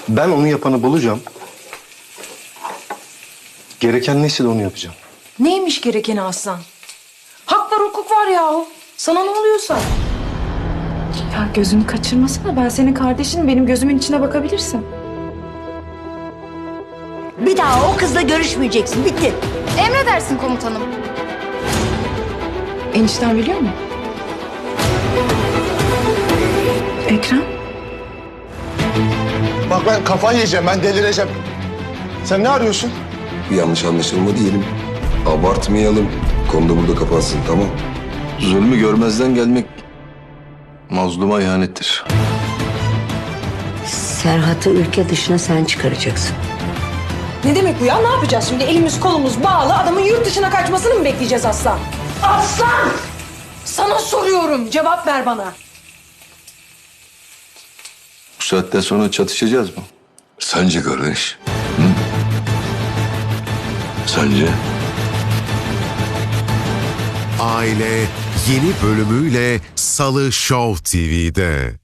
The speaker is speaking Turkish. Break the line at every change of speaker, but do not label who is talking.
Ben onu yapanı bulacağım. Gereken neyse de onu yapacağım.
Neymiş gerekeni Aslan? Hak var, hukuk var yahu. Sana ne oluyorsa.
Ya gözünü kaçırmasana. Ben senin kardeşinim. Benim gözümün içine bakabilirsin.
Bir daha o kızla görüşmeyeceksin. Bitti.
Emredersin komutanım.
Enişten biliyor mu? Ekrem?
Bak ben kafayı yiyeceğim, ben delireceğim. Sen ne arıyorsun?
Bir yanlış anlaşılma diyelim. Abartmayalım. Konu da burada kapansın, tamam?
Zulmü görmezden gelmek mazluma ihanettir.
Serhat'ı ülke dışına sen çıkaracaksın.
Ne demek bu ya? Ne yapacağız şimdi? Elimiz kolumuz bağlı. Adamın yurt dışına kaçmasını mı bekleyeceğiz Aslan? Aslan! Sana soruyorum. Cevap ver bana.
Bu saatten sonra çatışacağız mı?
Sence kardeş? Hı? Sence?
Aile yeni bölümüyle Salı Show TV'de.